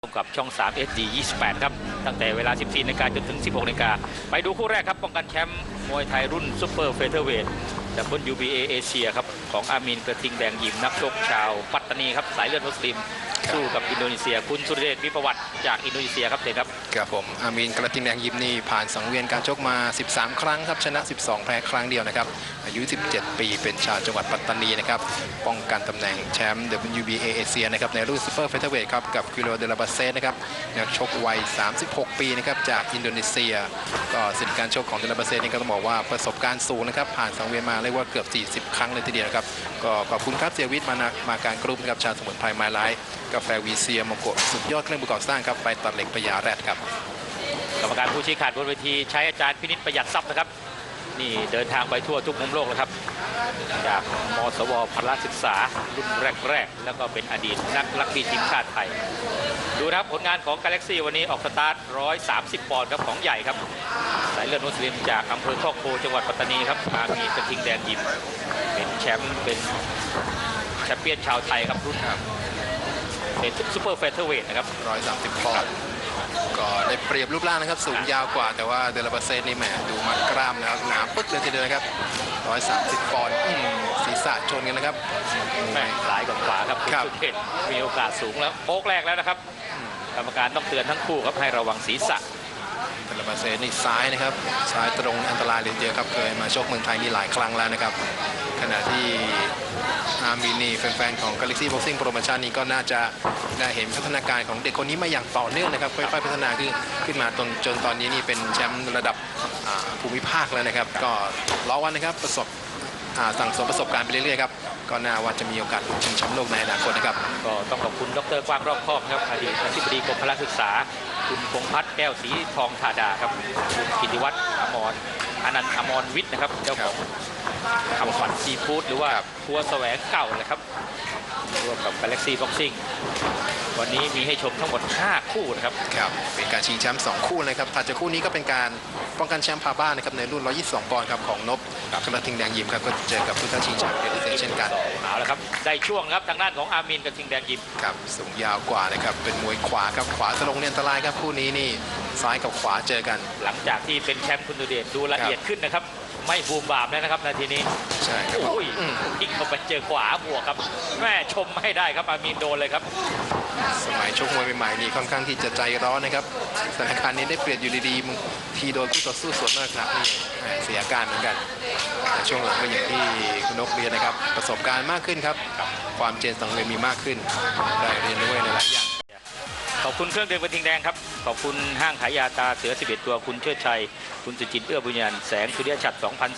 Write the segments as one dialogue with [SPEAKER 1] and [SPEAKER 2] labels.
[SPEAKER 1] กับช่อง3 SD 28ครับตั้งแต่เวลา 14 นาฬิกาจนถึง 16 นาฬิกาไปดูคู่แรกครับป้องกันแชมป์มวยไทยรุ่นซุปเปอร์เฟเธอร์เวทWBA เอเชียครับของอามีนกระทิงแดงยิมนักชกชาวปัตตานีครับสายเลือดมุสลิมสู้กับอินโดนีเซียคุณสุรเดชวิประวัติจากอินโดนีเซียครับเด็กครับ
[SPEAKER 2] ครับผมอามีนกระทิงแดงยิมนี่ผ่านสังเวียนการชกมา13ครั้งครับชนะ12แพ้ครั้งเดียวนะครับอายุ17ปีเป็นชาวจังหวัดปัตตานีนะครับป้องกันตำแหน่งแชมป์ WBA เอเชียนะครับในรุ่นซุปเปอร์เฟเธอร์เวทครับกับกิโลเดลาบาเซนะครับนักชกวัย36ปีนะครับจากอินโดนีเซียก็สถิติการชกของเดลาบาเซนี่ก็ต้องบอกว่าประสบการณ์สูงนะครับผ่านสังเวียนมาเรียกว่าเกือบ40ครั้งเลยทีเดียวครับก็ขอบคุณครับเสียวิทย์มาการกรุ๊ปนะครับชาสมุนไพรไม้ไร้กาแฟวีเซียโมโกะสุดยอดเครื่องประกอบสร้างครับไปตัดเหล็กพญาแรดครับ
[SPEAKER 1] กรรมการผู้ชี้ขาดบนเวทีใช้อาจารย์พินิจประหยัดทรัพย์นะครับนี่เดินทางไปทั่วทุกมุมโลกแล้วครับจากมสวพละศึกษารุ่นแรกแล้วก็เป็นอดีตนักรักบี้ทีมชาติไทยดูนะครับผลงานของกาแล็กซี่วันนี้ออกสตาร์ท130ปอนด์ครับของใหญ่ครับสายเลือดมุสลิมจากอำเภอโคกโพจังหวัดปัตตานีครับอามีกระทิงแดงยิมเป็นแชมป์เป็นแชมเปี้ยนชาวไทยครับรุ่นเป็นซุปเปอร์เฟเธอร์เวทนะครับ
[SPEAKER 2] 130ปอนด์ก็ได้เปรียบรูปร่างนะครับสูงยาวกว่าแต่ว่าเดลาบาเซนี่แหมดูมัดกล้ามนะครับหนาปึ๊กเลยทีเดียวครับ130ปอนด์ศีรษะชนกันนะครับ
[SPEAKER 1] หลายกับขวาครับคุณสุเทพมีโอกาสสูงแล้วโป๊กแรกแล้วนะครับกรรมการต้องเตือนทั้งคู่ครับให้ระวังศีรษะ
[SPEAKER 2] เดลาบาเซนี่ซ้ายนะครับซ้ายตรงอันตรายเลยทีเดียวครับเคยมาชกเมืองไทยนี่หลายครั้งแล้วนะครับขณะที่อามีนี่แฟนๆของ Galaxy Boxing Promotion นี้ก็น่าจะได้เห็นพัฒนาการของเด็กคนนี้มาอย่างต่อเนื่องนะครับค่อยๆพัฒนาขึ้นมาจนตอนนี้นี่เป็นแชมป์ระดับภูมิภาคแล้วนะครับก็รอวันนะครับสั่งสมประสบการณ์ไปเรื่อยๆครับก็น่าว่าจะมีโอกาสชิงแชมป์โลกในอนาคตนะครับ
[SPEAKER 1] ก็ต้องขอบคุณดร.กว้างรอบคอบครับอดีตอธิบดีกรมพละศึกษาคุณพงษ์พัฒน์แก้วศรีทองธาดาครับคุณกิติวัฒน์อนันต์อมรวิทย์นะครับเจ้าของคำขวัญซีฟู้ดหรือว่าทัวร์แสวงเก่าเลยครับร่วมกับ Galaxy Boxing วันนี้มีให้ชมทั้งหมด5คู่นะครับ
[SPEAKER 2] ครับเป็นการชิงแชมป์2คู่นะครับถัดจากคู่นี้ก็เป็นการป้องกันแชมป์พาบ้านนะครับในรุ่น122ปอนด์ครับของนพกระทิงแดงยิมครับก็เจอกับผู้ท้าชิงแชมป์เดลิเซเช่นกัน
[SPEAKER 1] เอาละครับได้ช่วงครับทางด้านของอามีนกระทิงแดงยิม
[SPEAKER 2] ครับสูงยาวกว่านะครับเป็นมวยขวาครับขวาตรงเนี่ยอันตรายครับคู่นี้นี่ซ้ายกับขวาเจอกัน
[SPEAKER 1] หลังจากที่เป็นแชมป์คุณดูเดชดูละเอียดขึ้นนะครับไม่บูมบามแล้วนะครับนาทีนี้
[SPEAKER 2] ใช่ครับ
[SPEAKER 1] อุ้ยทิ้งเข้าไปเจอขวาบวกครับแม่ชมไม่ได้ครับอามีนโดนเลยครับ
[SPEAKER 2] สมัยชกมวยใหม่ๆนี่ค่อนข้างที่จะใจร้อนนะครับสถานการณ์นี้ได้เปรียบอยู่ดีๆทีโดนคู่ต่อสู้สวนมากครับนี่เสียการเหมือนกันแต่ช่วงหลังก็อย่างที่คุณนกเรียนนะครับประสบการณ์มากขึ้นครับความเจนสังเวียนมีมากขึ้นได้เรียนรู้ในหลายอย่าง
[SPEAKER 1] ขอบคุณเครื่องดื่มกระทิงแดงครับขอบคุณห้างขายยาตาเสือ11ตัวคุณเชิดชัยคุณสุจินต์เอื้อบุญญาณแสงสุริยฉัตร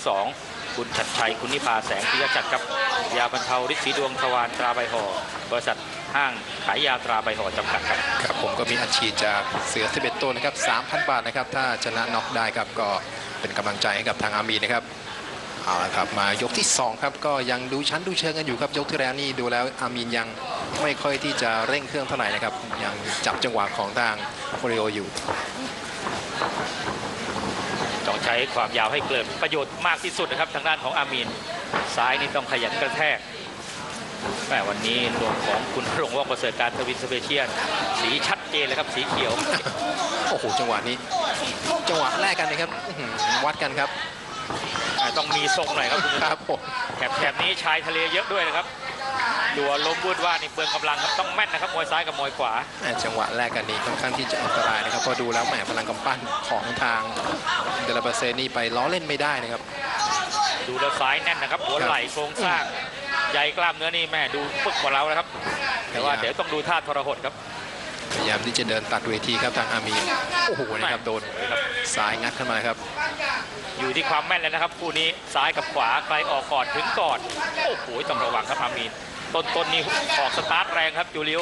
[SPEAKER 1] 2002คุณชัดชัยคุณนิพาแสงสุริยฉัตรครับยาบรรเทาฤทธิ์สีดวงทวารตราใบห่อบริษัทห้างขายยาตราใบห่อจำกัดครับ
[SPEAKER 2] ครับผมก็มีอัดฉีดจากเสือ11ตัวนะครับ 3,000 บาทนะครับถ้าชนะน็อกได้ครับก็เป็นกำลังใจให้กับทางอามีนะครับเอาละครับมายกที่2ครับก็ยังดูชั้นดูเชิงกันอยู่ครับยกที่แล้วนี่ดูแล้วอามีนยังไม่ค่อยที่จะเร่งเครื่องเท่าไหร่นะครับยังจับจังหวะของทางโอริโออยู่
[SPEAKER 1] ต้องใช้ความยาวให้เกิดประโยชน์มากที่สุดนะครับทางด้านของอามีนซ้ายนี่ต้องขยันกระแทกแม่วันนี้รวมของคุณรงค์ว่องประเสริฐการทวินสเปเชียลสีชัดเจนเลยครับสีเขียว
[SPEAKER 2] โอ้โหจังหวะนี้จังหวะแรกกันนะครับวัดกันครับ
[SPEAKER 1] ต้องมีทรงหน่อยครับคุณ
[SPEAKER 2] ครับผม
[SPEAKER 1] แถบนี้ชายทะเลเยอะด้วยนะครับดูลมพูดว่านี่เปลืองกำลังครับต้องแม่นนะครับมวยซ้ายกับมวยขวา
[SPEAKER 2] จังหวะแรกกันนี้ค่อนข้างที่จะอันตรายนะครับพอดูแล้วแหมพลังกำปั้นของทางเดลาบาเซนี่ไปล้อเล่นไม่ได้นะครับ
[SPEAKER 1] ดูแล้วซ้ายแน่นนะครับหัวไหล่โครงสร้างใหญ่กล้ามเนื้อนี่แม่ดูปึกกว่าเรานะครับแต่ว่าเดี๋ยวต้องดูท่าทรหดครับ
[SPEAKER 2] พยายามที่จะเดินตัดเวทีครับทางอามีโอ้โหนะครับโดนซ้ายงัดขึ้นมาครับ
[SPEAKER 1] อยู่ที่ความแม่นเลยนะครับคู่นี้ซ้ายกับขวาใครออกก่อนถึงก่อนโอ้โหต้องระวังครับอามีนต้นนี่ออกสตาร์ทแรงครับจูเลีย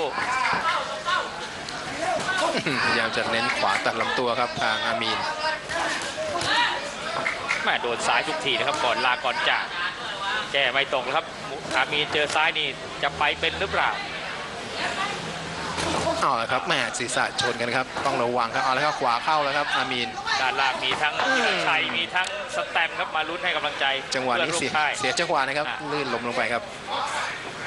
[SPEAKER 2] พยายามจะเน้นขวาตัดลำตัวครับทางอามีน
[SPEAKER 1] แม่โดนซ้ายทุกทีนะครับก่อนลาก่อนจากแก้ไม่ตกครับอามีนเจอซ้ายนี่จะไปเป็นหรือเปล่า
[SPEAKER 2] เอาละครับแม่ศีรษะชนกันครับต้องระวังครับเอาละครับขวาเข้าแล้วครับอามีน
[SPEAKER 1] ด้านล่างมีทั้งชัยมีทั้งสแตมครับมาลุ้นให้กำลังใจ
[SPEAKER 2] จังหวะนี้เสียจังหวะนะครับลื่นล้มลงไปครับ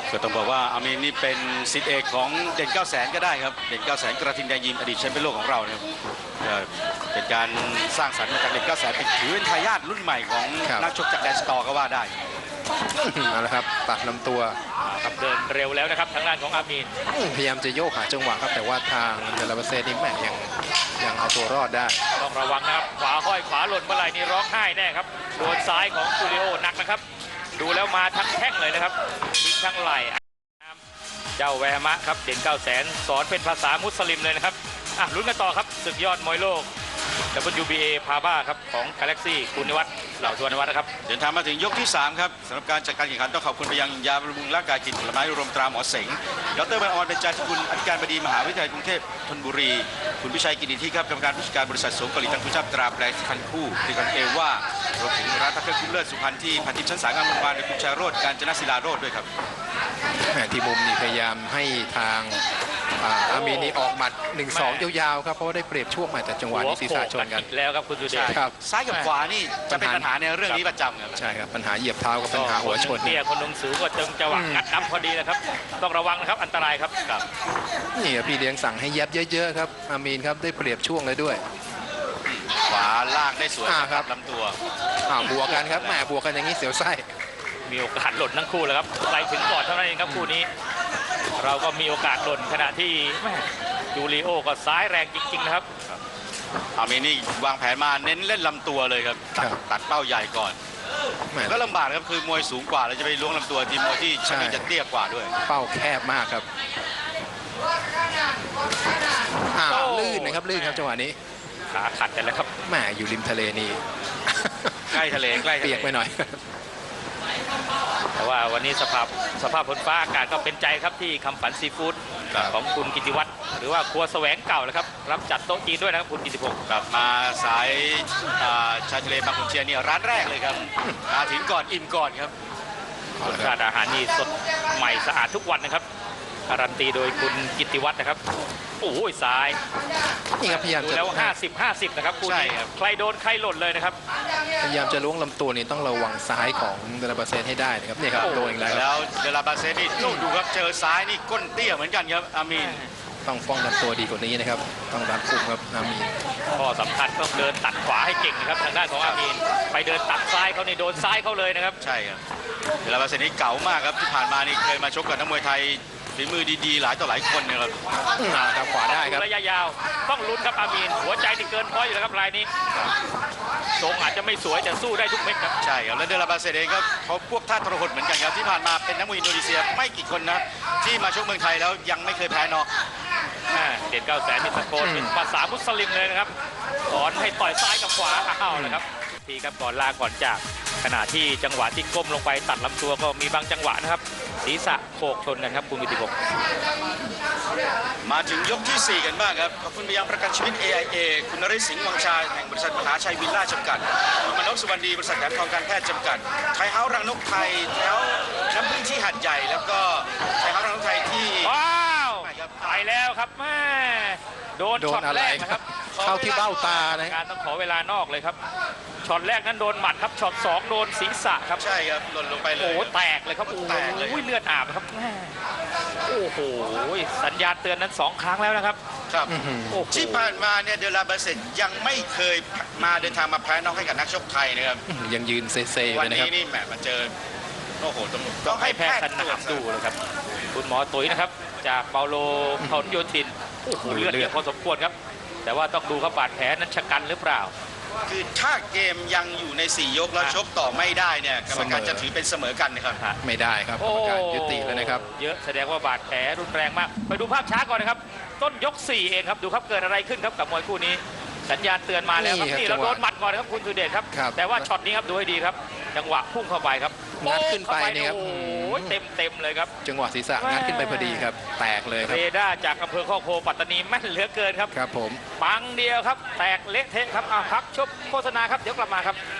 [SPEAKER 3] ก็ต้องบอกว่าอามีนนี่เป็นศิษย์เอกของเด่น 900,000ก็ได้ครับเด่น 900,000กระทิงแดงยิมอดีตแชมป์เป็นโลกของเราเนี่ยเป็นการสร้างสรรค์มาจากเด่น 900,000เป็นถือเป็นทายาทรุ่นใหม่ของนักชกจากแดนสตอร์ก็ว่าได้
[SPEAKER 2] เอาละครับตัดลำตัว
[SPEAKER 1] ครับเดินเร็วแล้วนะครับทางด้านของอามีน
[SPEAKER 2] พยายามจะโยกหาจังหวะครับแต่ว่าทางเดลาเบเซนี่แม่ยังเอาตัวรอดได้
[SPEAKER 1] ต้องระวังนะครับขวาห้อยขวาหล่นเมื่อไหร่นี่ร้องไห้แน่ครับโดนซ้ายของจูริโอหนักนะครับดูแล้วมาทั้งแข้งเลยนะครับทิ้งทั้งไหล่เจ้าแวร์มะครับเด่น 900,000สอนเป็นภาษามุสลิมเลยนะครับลุ้นกันต่อครับศึกยอดมวยโลก WBA พาบ้าครับของกาแล็กซี่คุณนิวัฒน์เหล่าสุวรรณวัฒน์นะครับ
[SPEAKER 3] เดินทางมาถึงยกที่ 3 ครับสำหรับการจัดการแข่งขันต้องขอบคุณไปยังยาบำรุงร่างกายกินผลไม้รวมตราหมอเสงดรบันออนเป็นจาธิคุณอธิการบดีมหาวิทยาลัยกรุงเทพธนบุรีคุณพิชัยกิติที่ครับกรรมการผู้จัดการบริษัทสงเกาหลีตังคุชาบตราแปลพันคู่ที่กันเอว่ารวมถึงร้านพักเครื่องคุ้มเลิศสุพรรณที่พันทิพย์ชั้นสามงามวงวานโดยคุณชาโรจน์การจนศิลาโรจน์ด้วยครับ
[SPEAKER 2] แหมที่มุมนี่พยายามให้ทางอามีนนี่ออกหมัด 1-2 ยาวๆครับเพราะว่าได้เปรียบช่วงมาจากจังหวะนี้ศีรษะชนกัน
[SPEAKER 1] แล้วครับคุณสุเดช
[SPEAKER 2] ครับ
[SPEAKER 3] ซ้ายกับขวานี่จะเป็นปัญหาในเรื่องนี้ประจำครับ
[SPEAKER 2] ใช่ครับปัญหาเหยียบเท้ากับปัญหาหัวชน
[SPEAKER 1] เตี้ยคนลงสูงก็จึงจังหวะกัดน้ำพอดีนะครับต้องระวังนะครับอันตรายครับ
[SPEAKER 2] นี่พี่เลี้ยงสั่งให้แยบเยอะๆครับอามีนครับได้เปรียบช่วงเลยด้วย
[SPEAKER 3] ขวาล่างได้สวย
[SPEAKER 2] ครับ
[SPEAKER 3] ลำตัว
[SPEAKER 2] บวกกันครับแหมบวกกันอย่างนี้เสียวไส้
[SPEAKER 1] มีโอกาสหล่นทั้งคู่แล้วครับไปถึงก่อนเท่านั้นเองครับคู่นี้ เราก็มีโอกาสหล่นขณะที่จูริโอก็ซ้ายแรงจริงๆนะครับ
[SPEAKER 3] อามีนนี่วางแผนมาเน้นเล่นลำตัวเลยครับตัดเป้าใหญ่ก่อน
[SPEAKER 2] แหม
[SPEAKER 3] ก็ลำบากครับคือมวยสูงกว่าเราจะไปล้วงลำตัวทีมมวยที่ชั้นจะเตี้ยกว่าด้วย
[SPEAKER 2] เป้าแคบมากครับลื่นนะครับลื่นครับจังหวะนี้
[SPEAKER 1] ขาขัดกันแล้วครับ
[SPEAKER 2] แหมอยู่ริมทะเลนี่
[SPEAKER 3] ใกล้ทะเลใกล้ทะ
[SPEAKER 2] เปี
[SPEAKER 3] เลย
[SPEAKER 2] กไปหน่อย
[SPEAKER 1] แต่ว่าวันนี้สภาพฝนฟ้าอากาศก็เป็นใจครับที่คำฝันซีฟู้ดของคุณกิติวัฒน์หรือว่าครัวแสวงเก่านะครับรับจัดโต๊ะจีนด้วยนะครับคุณกิติพงศ์
[SPEAKER 3] กลับมาสายชายทะเลบางขุนเทียนเนี่ยร้านแรกเลยครับมาถึงก่อนอิ่มก่อนครับ
[SPEAKER 1] รสชาติอาหารนี่สดใหม่สะอาดทุกวันนะครับการันตีโดยคุณกิติวัฒน์นะครับโอ้ยซ้าย
[SPEAKER 2] นี่ครับพยายาม
[SPEAKER 1] ดู
[SPEAKER 2] จะ
[SPEAKER 1] แล้ว50-50นะครับคู่นี้ใครโดนใครหล่นเลยนะครับ
[SPEAKER 2] พยายามจะล้วงลำตัวนี่ต้องระวังซ้ายของเดลาเบเซให้ได้นะครับนี่ครับโดนอีกแล้ว
[SPEAKER 3] แล้วเดลาบาเซนี่ดูครับเจอซ้ายนี่ก้นเตี้ยเหมือนกันครับอามีน
[SPEAKER 2] ต้องป้องกันตัวดีกว่านี้นะครับต้องรัดกุมครับอามีน
[SPEAKER 1] ข้อสำคัญต้องเดินตัดขวาให้เก่งนะครับทางด้านของอามีนไปเดินตัดซ้ายเขาในโดนซ้ายเขาเลยนะครับ
[SPEAKER 3] ใช่ครับเดลาบาเซนี่เก๋ามากครับที่ผ่านมานี่เคยมาชกกับนักมวยไทยฝีมือดีๆหลายต่อหลายคนนะครับ
[SPEAKER 2] ครับขวาได้ครับ
[SPEAKER 1] ระยะยาวต้องลุ้นครับอามีนหัวใจที่เกินพอยอยู่แล้วครับรายนี้ทรงอาจจะไม่สวยแต่สู้ได้ทุกเม็ดครับ
[SPEAKER 3] ใช่ครับแล้วเดลาบาเซเองก็เขาพวกท่าทรหดเหมือนกันครับที่ผ่านมาเป็นนักมวยอินโดนีเซียไม่กี่คนนะที่มาชกเมืองไทยแล้วยังไม่เคยแพ้น็อก
[SPEAKER 1] เด่น 900,000นี่ตะโกนเป็นภาษามุสลิมเลยนะครับสอนให้ต่อยซ้ายกับขวาเอาเลยครับทีครับก่อนลาก่อนจากขณะที่จังหวะที่ก้มลงไปตัดลำตัวก็มีบางจังหวะนะครับศีรษะโขกชนกันครับคุณกิติพงศ์
[SPEAKER 3] มาถึงยกที่ 4 กันบ้างครับขอบคุณไปยังประกันชีวิต AIA คุณนฤทธิ์สิงห์วังชาแห่งบริษัทมหาชัยวิลล่าจำกัดมนพสุวรรณดีบริษัทแหลมทองการแพทย์จำกัดไทยเฮ้าส์รังนกไทยแถวน้ำพึ่งที่หัดใหญ่แล้วก็ไทยเฮ้าส์รังนกไทยที่
[SPEAKER 1] ว้าว
[SPEAKER 3] ไปครับ
[SPEAKER 1] ไปแล้วครับแม่โดน
[SPEAKER 2] โด
[SPEAKER 1] ช็อน ต
[SPEAKER 2] อะไร
[SPEAKER 1] แรก
[SPEAKER 2] ค
[SPEAKER 1] นะค
[SPEAKER 2] รั
[SPEAKER 1] รั
[SPEAKER 2] บบ เข้าที่เบ้าตานะ
[SPEAKER 1] การต้องขอเวลานอกเลยครับช็อตแรกนั้นโดนหมัดครับช็อต2โดนศีรษะครับ
[SPEAKER 3] ใช่ครับหล่นลงไปเล
[SPEAKER 1] โอ้
[SPEAKER 3] ย
[SPEAKER 1] โหแตกเลยครับโอ้
[SPEAKER 3] แตกเลย
[SPEAKER 1] โหเลือดอาบครับแม่โอ้โหสัญญาณเตือนนั้น2ครั้งแล้วนะครับ
[SPEAKER 3] ครับ
[SPEAKER 1] โอ้โห
[SPEAKER 3] ที่ผ่านมาเนี่ยเดลาบาเซตยังไม่เคยมาเดินทางมาแพ้น็อกให้กับนักชกไทยนะครับ
[SPEAKER 2] ยังยืนเซๆอยู่
[SPEAKER 3] วัน
[SPEAKER 2] เลยนะครับ
[SPEAKER 3] นี้นี่แหมมาเจอโอ้โหต้
[SPEAKER 1] ต้
[SPEAKER 3] อ
[SPEAKER 1] อง ง
[SPEAKER 3] ให้
[SPEAKER 1] ให้
[SPEAKER 3] แพ
[SPEAKER 1] แพ
[SPEAKER 3] ท
[SPEAKER 1] ท
[SPEAKER 3] ย์
[SPEAKER 1] ย์
[SPEAKER 3] ต
[SPEAKER 1] ส
[SPEAKER 3] รวจ
[SPEAKER 1] นามดูนะครับคุณหมอตุ๋ยนะครับจากเปาโลพหลโยธินโอ้โหเลือดเยอะพอสมควรครับแต่ว่าต้องดูครับบาดแผลนั้นชะกันหรือเปล่า
[SPEAKER 3] คือถ้าเกมยังอยู่ใน 4 ยกแล้วชกต่อไม่ได้เนี่ยกรรมการจะถือเป็นเสมอกันนะครับ
[SPEAKER 2] ไม่ได้ครับกรรมการยุติแล้วนะครับ
[SPEAKER 1] เยอะแสดงว่าบาดแผลรุนแรงมาก ไปดูภาพช้าก่อนนะครับ ต้นยก 4 เองครับดูครับเกิดอะไรขึ้นครับกับมวยคู่นี้ สัญญาณเตือนมาแล้วครับ
[SPEAKER 2] นี่ครับ
[SPEAKER 1] นี่เรา
[SPEAKER 2] จังหวะ
[SPEAKER 1] โดนหมัดก่อนนะครับคุณสุเดชครับ
[SPEAKER 2] ครับ
[SPEAKER 1] แต่ว่าช็อตนี้ครับดูให้ดีครับจังหวะพุ่งเข้าไปครับ
[SPEAKER 2] งัดขึ้นไปนี่ครับ
[SPEAKER 1] โอ้โหเต็มเลยครับ
[SPEAKER 2] จังหวะศีรษะงัดขึ้นไปพอดีครับแตกเลยครั
[SPEAKER 1] เร
[SPEAKER 2] บ
[SPEAKER 1] ดาร์จากอำเภอข้อโคปัตตานีแม่นเหลือเกินครับ
[SPEAKER 2] ครับผม
[SPEAKER 1] ปังเดียวครับแตกเละเทะครับพักชบโฆษณาครับเดี๋ยวกลับมาครับ